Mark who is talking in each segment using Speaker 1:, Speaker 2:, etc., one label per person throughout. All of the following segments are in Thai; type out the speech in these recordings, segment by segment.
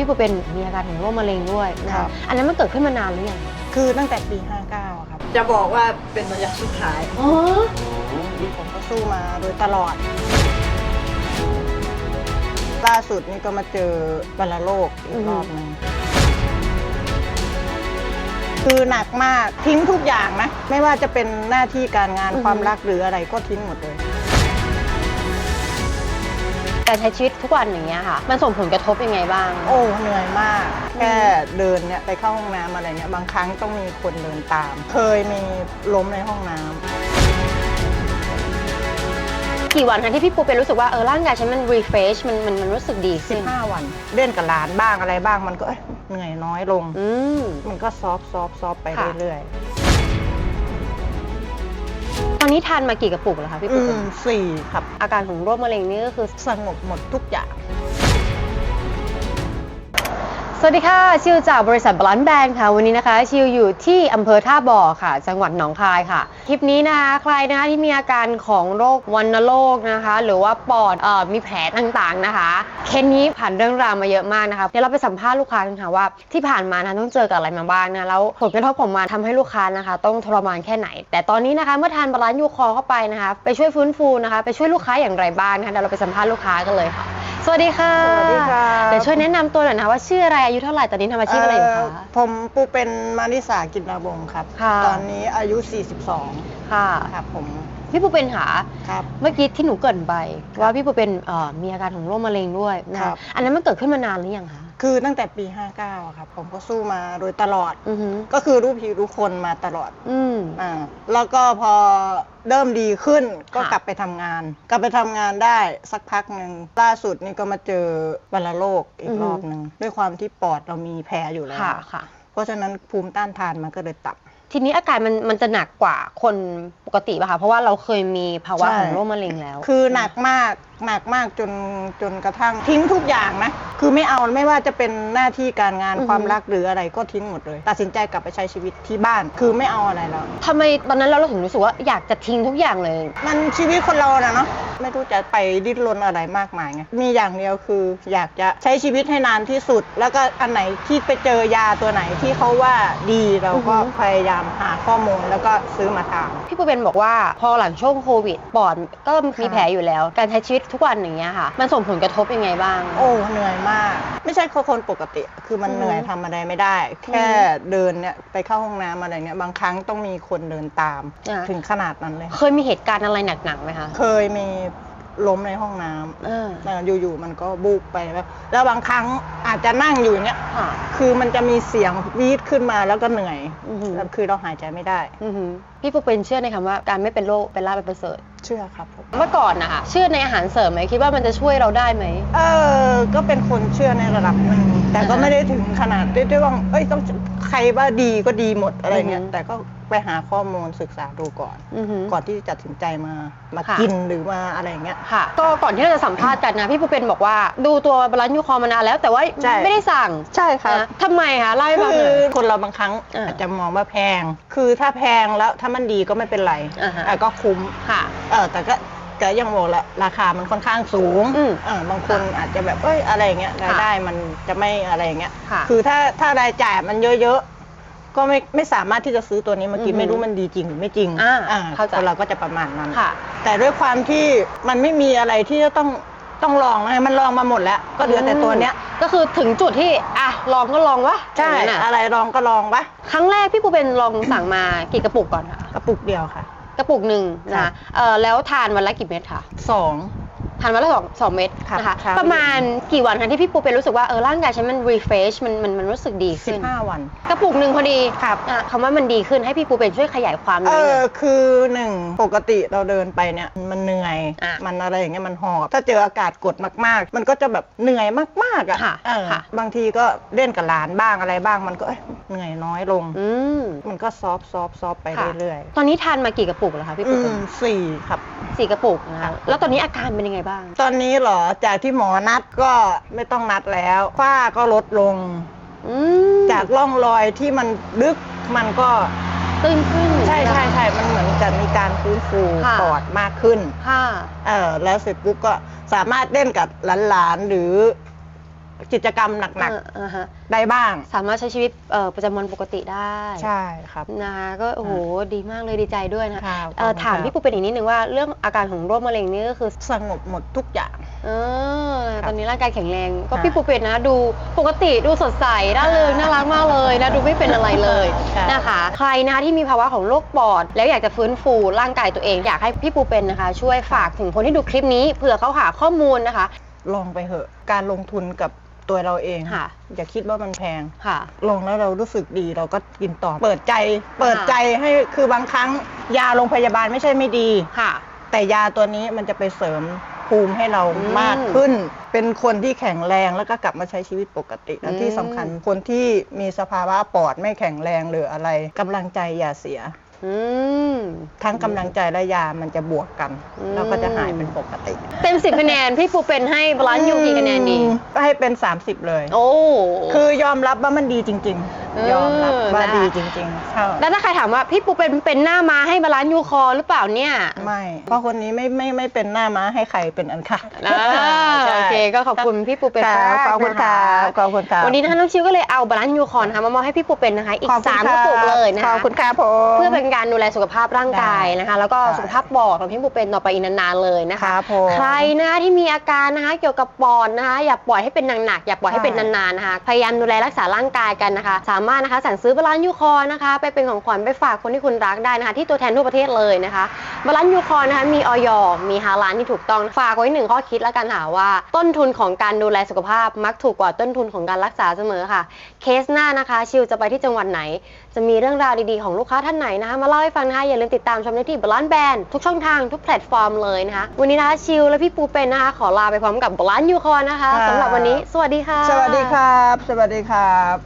Speaker 1: พี่ปูเป็นมีอาการของโรคมะเร็งด้วยนะคะอันนั้นมันเกิดขึ้นมานานหรือยัง
Speaker 2: คือตั้งแต่ปี 59 ครับ
Speaker 3: จะบอกว่าเป็นระยะสุดท้าย
Speaker 1: อ๋อ
Speaker 2: ผมก็สู้มาโดยตลอดล่าสุดนี่ก็มาเจอวัณโรคอีกรอบนึงคือหนักมากทิ้งทุกอย่างนะไม่ว่าจะเป็นหน้าที่การงานความรักหรืออะไรก็ทิ้งหมดเลย
Speaker 1: การใช้ชีวิตทุกวันอย่างเงี้ยค่ะมันส่งผลกระทบยังไงบ้าง
Speaker 2: โอ้เหนื่อยมากแค่เดินเนี่ยไปเข้าห้องน้ำอะไรเนี่ยบางครั้งต้องมีคนเดินตามเคยมีล้มในห้องน้ำ
Speaker 1: กี่วันคะที่พี่ปูเป็นรู้สึกว่าร่างกายฉันมันรีเฟรชมันรู้สึกดีขึ้น
Speaker 2: 15 วันเล่นกับหลานบ้างอะไรบ้างมันก็เหนื่อยน้อยลงมันก็ซอฟไปเรื่อย
Speaker 1: ๆตอนนี้ทานมากี่กระปุกแล้วคะพี่ปู
Speaker 2: 4ครับ
Speaker 1: อาการของโรคมะเร็งนี่ก็คือ
Speaker 2: สงบหมดทุกอย่าง
Speaker 1: สวัสดีค่ะชิวจากบริษัทบาลานซ์แบรนด์ค่ะวันนี้นะคะชิวอยู่ที่อำเภอท่าบ่อค่ะจังหวัดหนองคายค่ะคลิปนี้นะคะใครนะคะที่มีอาการของโรควัณโรคนะคะหรือว่าปอดมีแผลต่างๆนะคะเคสนี้ผ่านเรื่องราวมาเยอะมากนะคะเดี๋ยวเราไปสัมภาษณ์ลูกค้ากันค่ะว่าที่ผ่านมานะต้องเจอกับอะไรมาบ้างนะแล้วผลกระทบของมันทำให้ลูกค้านะคะต้องทรมานแค่ไหนแต่ตอนนี้นะคะเมื่อทานบาลานซ์ยูคอร์เข้าไปนะคะไปช่วยฟื้นฟูนะคะไปช่วยลูกค้าอย่างไรบ้างนะคะเดี๋ยวเราไปสัมภาษณ์ลูกค้ากันเลยค่ะสวัสดีค่ะ
Speaker 2: สวัสดีค่ะ
Speaker 1: เดี๋ยวช่วยแนะนำตัวหน่อยนะคะว่าชื่ออะไรอายุเท่าไหร่ตอนนี้ทำอาชีพอะไรอยู่คะ
Speaker 2: ผมปูเป็นมาริสากินนาบงครับตอนนี้อายุ42
Speaker 1: ค่ะ
Speaker 2: ครับผม
Speaker 1: พี่ปูเป็นค่ะ
Speaker 2: ครับ
Speaker 1: เมื่อกี้ที่หนูเกริ่นไปว่าพี่ปูเป็นมีอาการของโรคมะเร็งด้วยนะคะอันนั้นมันเกิดขึ้นมานานหรือยังคะ
Speaker 2: คือตั้งแต่ปี 59 ครับผมก็สู้มาโดยตลอดก็คือรู้ผิวรู้คนมาตลอดแล้วก็พอเริ่มดีขึ้นก็กลับไปทำงานได้สักพักหนึ่งล่าสุดนี่ก็มาเจอวัณโรคอีกรอบหนึ่งด้วยความที่ปอดเรามีแผลอยู่แล้วเพราะฉะนั้นภูมิต้านทานมันก็เลยต่ำ
Speaker 1: ทีนี้อาการมันจะหนักกว่าคนปกติป่ะคะเพราะว่าเราเคยมีภาวะของโรคมะเร็งแล้ว
Speaker 2: คือหนักมากจนกระทั่งทิ้งทุกอย่างนะคือไม่ว่าจะเป็นหน้าที่การงานความรักหรืออะไรก็ทิ้งหมดเลยตัดสินใจกลับไปใช้ชีวิตที่บ้านคือไม่เอาอะไรแล้ว
Speaker 1: ทำไมตอนนั้นเราถึงรู้สึกว่าอยากจะทิ้งทุกอย่างเลย
Speaker 2: มันชีวิตคนเราเนาะไม่รู้จะไปดิ้นรนอะไรมากมายไงมีอย่างเดียวคืออยากจะใช้ชีวิตให้นานที่สุดแล้วก็อันไหนที่ไปเจอยาตัวไหนที่เขาว่าดีเราก็พยายามหาข้อมูลแล้วก็ซื้อมาทาน
Speaker 1: พี่ปูเบนบอกว่าพอหลังช่วงโควิดปอดก็มีแผลอยู่แล้วการใช้ชีวิตทุกวันอย่างเงี้ยค่ะมันส่งผลกระทบยังไงบ้าง
Speaker 2: โอ้เหนื่อยมากไม่ใช่คนปกติคือมันเหนื่อยทำอะไรไม่ได้แค่เดินเนี่ยไปเข้าห้องน้ำอะไรเนี่ยบางครั้งต้องมีคนเดินตามถึงขนาดนั้นเลย
Speaker 1: เคยมีเหตุการณ์อะไรหนักๆไหมคะ
Speaker 2: เคยมีล้มในห้องน้ำอยู่ๆมันก็บุบไปแล้วบางครั้งอาจจะนั่งอยู่เนี้ยคือมันจะมีเสียงวีดขึ้นมาแล้วก็เหนื่อยแล้วคือเราหายใจไม่ได้
Speaker 1: พี่ปูเป็นเชื่อในคำว่าการไม่เป็นโรคเป็นลาภเป็นประเสริฐ
Speaker 2: เชื่อครับ
Speaker 1: เมื่อก่อนนะคะเชื่อในอาหารเสริมไหมคิดว่ามันจะช่วยเราได้ไหม
Speaker 2: ก็เป็นคนเชื่อในระดับหนึ่งแต่ก็ไม่ได้ถึงขนาดที่ว่าต้องใครว่าดีก็ดีหมดอะไรเงี้ยแต่ก็ไปหาข้อมูลศึกษาดูก่อนที่จะตัดสินใจมากินหรือมาอะไรเงี้ย
Speaker 1: ค่ะก็ก่อนที่เราจะสัมภาษณ์กันนะพี่ปูเป็นบอกว่าดูตัวบาลานซ์ยูคอร์มานานแล้วแต่ว่าไม่ได้สั่ง
Speaker 2: ใช่ค่ะ
Speaker 1: ทำไมคะเล่าให้ฟังหน่อย
Speaker 2: คือคนเราบางครั้งอาจจะมองว่าแพงคือถ้าแพงแล้วถ้ามันดีก็ไม่เป็นไรก็คุ้ม
Speaker 1: ค่ะ
Speaker 2: แต่ก็ยังบอกละราคามันค่อนข้างสูงบางคนอาจจะแบบอะไรเงี้ยรายได้มันจะไม่อะไรเงี้ยคือถ้ารายจ่ายมันเยอะๆก็ไม่สามารถที่จะซื้อตัวนี้มากินไม่รู้มันดีจริงหรือไม่จริงคนเราก็จะประมาณนั้นแต่ด้วยความที่มันไม่มีอะไรที่จะต้องลองไงมันลองมาหมดแล้วก็เหลือแต่ตัวเนี้ย
Speaker 1: ก็คือถึงจุดที่ลองก็ลองวะ
Speaker 2: ใช่อะไรลองก็ลองวะ
Speaker 1: ครั้งแรกพี่ปูเป็นลองสั่งมากี่กระปุกก่อนคะ
Speaker 2: กระปุกเดียวค่ะ
Speaker 1: กระปุกหนึ่งนะแล้วทานวันละกี่เม็ดคะ
Speaker 2: 2
Speaker 1: ทานวันละ2 เม็ดนะคะประมาณกี่วันคะที่พี่ปูเป็นรู้สึกว่าร่างกายฉันมันรีเฟรชมันรู้สึกดีขึ้น
Speaker 2: 15 วัน
Speaker 1: กระปุกหนึ่งพอดีครับคำว่ามันดีขึ้นให้พี่ปูเป็นช่วยขยายความหน่อย
Speaker 2: คือ1ปกติเราเดินไปเนี่ยมันเหนื่อยมันอะไรอย่างเงี้ยมันหอบถ้าเจออากาศกดมากๆมันก็จะแบบเหนื่อยมากๆบางทีก็เล่นกับหลานบ้างอะไรบ้างมันก็เหนื่อยน้อยลงมันก็ซอฟไปเรื่อย
Speaker 1: ๆตอนนี้ทานมากี่กระปุกแล้วคะพี่ปู
Speaker 2: 4ครับ
Speaker 1: 4 กระปุกนะคะแล้วตอนนี้อาการเป็นยังไงบ้าง
Speaker 2: ตอนนี้เหรอจากที่หมอนัดก็ไม่ต้องนัดแล้วฝ้าก็ลดลงจากร่องรอยที่มันลึกมันก็
Speaker 1: ตื้นขึ้น
Speaker 2: ใช่มันเหมือนจะมีการฟื้นฟูปอดมากขึ้นแล้วเสร็จปุ๊บก็สามารถเล่นกับหลานๆหรือกิจกรรมหนักๆได้บ้าง
Speaker 1: สามารถใช้ชีวิตประจำวันปกติได้
Speaker 2: ใช่ครับ
Speaker 1: นะก็โอ้โหดีมากเลยดีใจด้วยนะถามพี่ปูเป็นอีกนิดนึงว่าเรื่องอาการของโรคมะเร็งนี่ก็คือ
Speaker 2: สงบหมดทุกอย่าง
Speaker 1: ตอนนี้ร่างกายแข็งแรงก็พี่ปูเป็นนะดูปกติดูสดใสร่าเริงน่ารักมากเลยนะดูไม่เป็นอะไรเลยนะคะใครนะคะที่มีภาวะของโรคปอดแล้วอยากจะฟื้นฟูร่างกายตัวเองอยากให้พี่ปูเป็นนะคะช่วยฝากถึงคนที่ดูคลิปนี้เผื่อเขาหาข้อมูลนะคะ
Speaker 2: ลองไปเหอะการลงทุนกับตัวเราเองอย่าคิดว่ามันแพงลองแล้วเรารู้สึกดีเราก็กินต่อเปิดใจให้คือบางครั้งยาโรงพยาบาลไม่ใช่ไม่ดีแต่ยาตัวนี้มันจะไปเสริมภูมิให้เรามากขึ้นเป็นคนที่แข็งแรงแล้วก็กลับมาใช้ชีวิตปกติและที่สำคัญคนที่มีสภาวะปอดไม่แข็งแรงหรืออะไรกำลังใจอย่าเสียทั้งกำลังใจและยามันจะบวกกันแล้วก็จะหายเป็นปกติ
Speaker 1: เต็ม10 คะแนนพี่ปูเป็นให้บาลานซ์ยูกี่คะแนนดี
Speaker 2: ให้เป็น30เลย
Speaker 1: โอ้
Speaker 2: คือยอมรับว่ามันดีจริงๆยอมรับว่าดีจริงๆ
Speaker 1: แล้วถ้าใครถามว่าพี่ปูเป็นหน้าม้าให้บาลานซ์ยูคอหรือเปล่าเนี่ย
Speaker 2: ไม่เพราะคนนี้ไม่เป็นหน้าม้าให้ใครเป็นอันค่ะ
Speaker 1: โอเคก็ขอบคุณพี่ปูเป็น
Speaker 2: ขอบคุณค่ะขอบคุณค่ะ
Speaker 1: วันนี้นะคะน้องชิวก็เลยเอาบาลานซ์ยูคอนะคะมามอบให้พี่ปูเป็นนะคะอีก3 กระปุกเลยนะคะ
Speaker 2: ขอบคุณค่ะผม
Speaker 1: เพื่อเป็นการดูแลสุขภาพร่างกายนะคะแล้วก็สุขภาพปอดของพี่ปูเป็นต่อไปอีกนานๆเลยนะคะใครนะคะที่มีอาการนะคะเกี่ยวกับปอดนะคะอย่าปล่อยให้เป็นหนักๆอย่าปล่อยให้เป็นนานๆนะคะพยายามดูแลรักษาร่างกายกันนะคะสามารถนะคะสั่งซื้อบาลานซ์ยูคอนะคะไปเป็นของขวัญไปฝากคนที่คุณรักได้นะคะที่ตัวแทนทั่วประเทศเลยนะคะบาลานซ์ยูคอนะคะมีอย.มีฮาลาลที่ถูกต้องฝากไว้1 ข้อคิดแล้วกันค่ะว่าต้นทุนของการดูแลสุขภาพมักถูกกว่าต้นทุนของการรักษาเสมอค่ะเคสหน้านะคะชิวจะไปที่จังหวัดไหนจะมีเรื่องราวดีๆของลูกค้าท่านไหนนะคะมาเล่าให้ฟังนะคะอย่าลืมติดตามชมได้ที่บาลานซ์แบรนด์ทุกช่องทางทุกแพลตฟอร์มเลยนะคะวันนี้นะคะชิวและพี่ปูเป็นนะคะขอลาไปพร้อมกับบาลานซ์ยูคอนะคะสำหรับวันนี้สวัสดีค่ะ
Speaker 2: สวัสดีครับสวัสดีครับ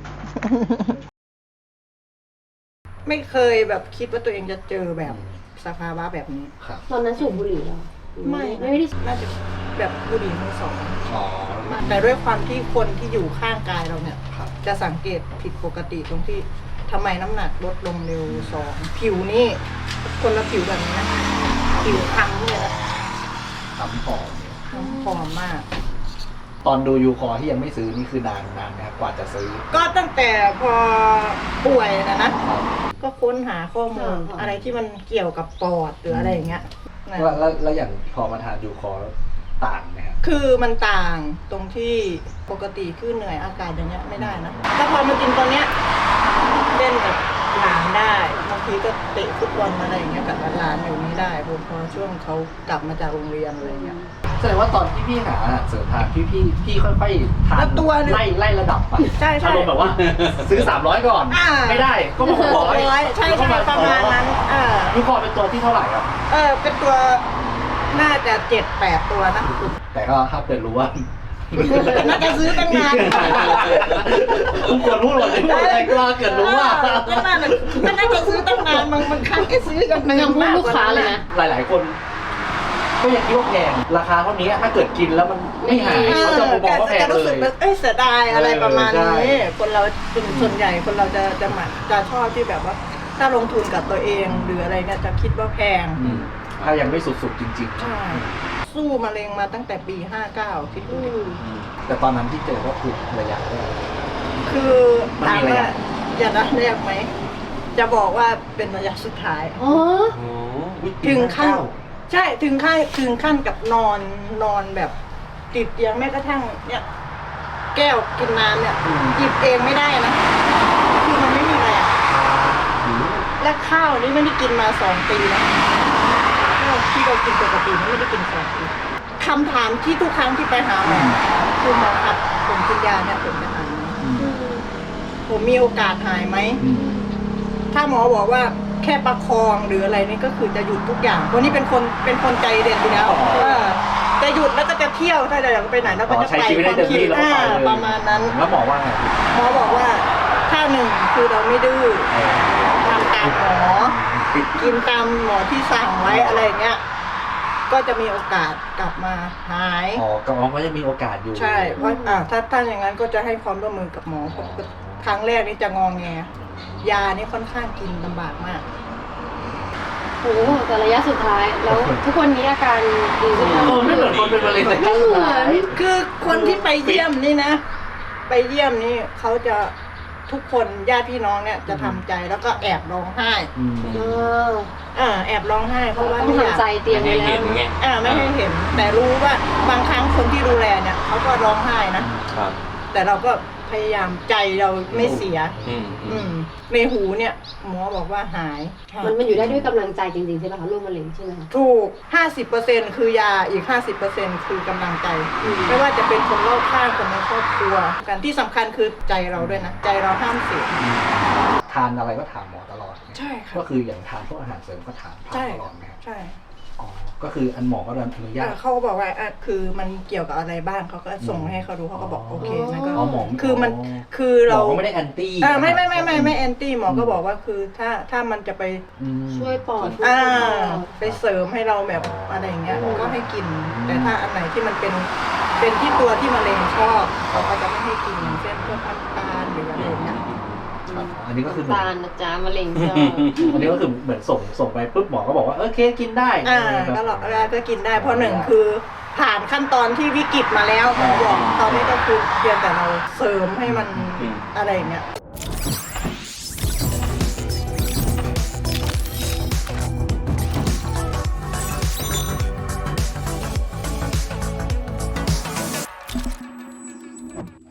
Speaker 2: ไม่เคยแบบคิดว่าตัวเองจะเจอแบบสภาวะแบบนี้
Speaker 1: ตอนนั้นสูบบุหรี่เหรอ
Speaker 2: ไม่ได้น่าจะแบบบุหรี่มือสองแต่ด้วยความที่คนที่อยู่ข้างกายเราเนี่ยจะสังเกตผิดปกติตรงที่ทำไมน้ำหนักลดลงเร็ว2ผิวนี่คนละผิวแบบนี้นะผิวคล้ำเลยนะ
Speaker 4: คล้ำ
Speaker 2: ผอมมาก
Speaker 4: ตอนดูยูคอที่ยังไม่ซื้อนี่คือนานนะครับกว่าจะซื้อ
Speaker 2: ก็ตั้งแต่พอป่วยนะก็ค้นหาข้อมูลอะไรที่มันเกี่ยวกับปอดหรืออะไรอย่างเงี้ย
Speaker 4: แล้วอย่างพอมาทานยูคอต่างไหมครับ
Speaker 2: คือมันต่างตรงที่ปกติคือเหนื่อยอากาศอย่างเงี้ยไม่ได้นะแต่พอมากินตอนเนี้ยเล่นกับหลานได้บางทีก็เตะฟุตบอลอะไรอย่างเงี้ยกับหลานอยู่นี่ได้พอช่วงเขากลับมาจากโรงเรียนอะไรเงี้ย
Speaker 4: แสดงว่าตอนที่พี่หาเสริมทานพี่ค่อยๆทานไล่ระดับไป
Speaker 2: ใช่
Speaker 4: อารมณ์แบบว่าซื้อ300ก่อนไม่ได้ก็มา600
Speaker 2: ใช่ประมาณนั้น
Speaker 4: ยูคอเป็นตัวที่เท่าไหร่ครับ
Speaker 2: เป็นตัวน่าจะ7-8ตัวนะ
Speaker 4: แต่ก็ถ้าเกิดรู้ว่า
Speaker 2: น่าจะซื้อตั้งนาน
Speaker 4: ทุกคนรู้หมดเลยแต่ก็เกิดรู้ว่า
Speaker 2: ก็น่าจะซื้อตั้งนานบางครั้งก็ซื้อกัน
Speaker 1: ยังพูดลูกค้าเลยนะ
Speaker 4: หลายๆคนก็ยังคิดว่าแพงราคาเท่านี้ถ้าเกิดกินแล้วมันไม่หายเขาจะบอกว่าแพงเลย
Speaker 2: เสียดายอะไรประมาณนี้คนเราส่วนใหญ่คนเราจะชอบที่แบบว่าถ้าลงทุนกับตัวเองหรืออะไรเนี่ยจะคิดว่าแพง
Speaker 4: ถ้ายังไม่สุดๆจริงๆ
Speaker 2: ใช่สู้มะเร็งมาตั้งแต่ปี59คิดดู
Speaker 4: แต่ตอนนั้นที่เจอก็คือระยะแรก
Speaker 2: คือถามว่าอย่านัดแรกไหมจะบอกว่าเป็นระยะสุดท้ายถึงขั้นใช่ถึงขั้นกับนอนแบบติดเตียงแม้กระทั่งเนี่ยแก้วกินน้ำเนี่ยหยิบเองไม่ได้นะคือมันไม่มีแรงและข้าวนี่ไม่ได้กินมา2 ปีแล้วข้าวที่เรากินปกติไม่ได้กิน2 ปีคำถามที่ทุกครั้งที่ไปหาหมอคือหมอครับผมกินยาเนี่ยผมจะหายไหมผมมีโอกาสหายไหมถ้าหมอบอกว่าแค่ประคองหรืออะไรนี่ก็คือจะหยุดทุกอย่างวันนี้เป็นคนใจเด็ดอยู่แล้วจะหยุดแล้วก็จะเที่ยวถ้าจะอยากไปไหนแล้วก็จะไปความคิดประมาณนั้น
Speaker 4: แล้วหมอว่าไง
Speaker 2: หมอบอกว่าถ้า1คือเราไม่ดื้อทำตามหมอกินตามหมอที่สั่งไว้อะไรเงี้ยก็จะมีโอกาสกลับมาหาย
Speaker 4: ก็จะมีโอกาสอยู่
Speaker 2: ใช่เพราะถ้าอย่างนั้นก็จะให้ความร่วมมือกับหมอครั้งแรกนี่จะงอแงยานี่ค่อนข้างกินลำบากมาก
Speaker 1: โอ้โหแต่ระยะสุดท้ายแล้วทุกวันนี้อาการดีขึ้นไหม
Speaker 4: ไม่เหมือนคนเป็นมะเร็งเลย
Speaker 1: ไม่เหมือน
Speaker 2: คือคนที่ไปเยี่ยมนี่นะ ไปเยี่ยมนี่เขาจะทุกคนญาติพี่น้องเนี่ยจะทำใจแล้วก็แอบร้องไห้ แอบร้องไห้เพราะว่า
Speaker 1: ต้อง
Speaker 2: ไม่อยาก
Speaker 1: ทำใจเตรียมไว้แล้ว
Speaker 2: ไม่ให้เห็น แต่รู้ว่าบางครั้งคนที่ดูแลเนี่ยเขาก็ร้องไห้นะ
Speaker 4: ครับ
Speaker 2: แต่เราก็พยายามใจเราไม่เสีย
Speaker 4: อืม
Speaker 2: ในหูเนี่ยหมอบอกว่าหาย
Speaker 1: มันอยู่ได้ด้วยกำลังใจจริงๆใช่ไหมคะโรคมะเร็งใช่ไหมคะ
Speaker 2: ถูก 50%คือยาอีก 50%คือกำลังใจ ไม่ว่าจะเป็นคนรอบข้างคนในครอบครัวการที่สำคัญคือใจเราด้วยนะ ใจเราห้ามเสีย
Speaker 4: ทานอะไรก็ถามหมอตลอด
Speaker 2: ใช่ค่ะ
Speaker 4: ก็คืออย่างทานพวกอาหารเสริมก็ถาม
Speaker 2: ใช่
Speaker 4: ตลอดนะครับ
Speaker 2: ใช่
Speaker 4: อ๋อก็คืออันหมอก็อนุญาต
Speaker 2: เขาก็บอกว่าคือมันเกี่ยวกับอะไรบ้างเขาก็ส่งให้เขาดูเขาก็บอกโอเคนั่นก็
Speaker 4: อ๋อหมอ
Speaker 2: คือมันคือ
Speaker 4: หม
Speaker 2: เรา
Speaker 4: อก็ไม่ได้แอนตี้
Speaker 2: ไม่แอนตี้หมอก็บอกว่าคือถ้ามันจะไป
Speaker 1: ช่วยปอด
Speaker 2: ไปเสริมให้เราแบบอะไรอย่างเงี้ยก็ให้กิน แต่ถ้าอันไหนที่มันเป็นที่ตัวที่มะเร็งชอบเขาก็จะไม่ให้กินอย่างเช่นพวกน้ำตาลหรืออะไรอย่างเงี้ย
Speaker 4: ครับอันนี้ก็คือ
Speaker 1: ตาลนะจ๊ะมะเร็งจ้ะ
Speaker 4: อันนี้ก็คือเหมือนส่งไปปุ๊บหมอก็บอกว่าเคสกินได้
Speaker 2: ก็กินได้เพราะหนึ่งคือผ่านขั้นตอนที่วิกฤตมาแล้วหมอบอกตอนนี้ก็คือเพียงแต่เราเสริมให้มันอะไรอย่างเงี้ย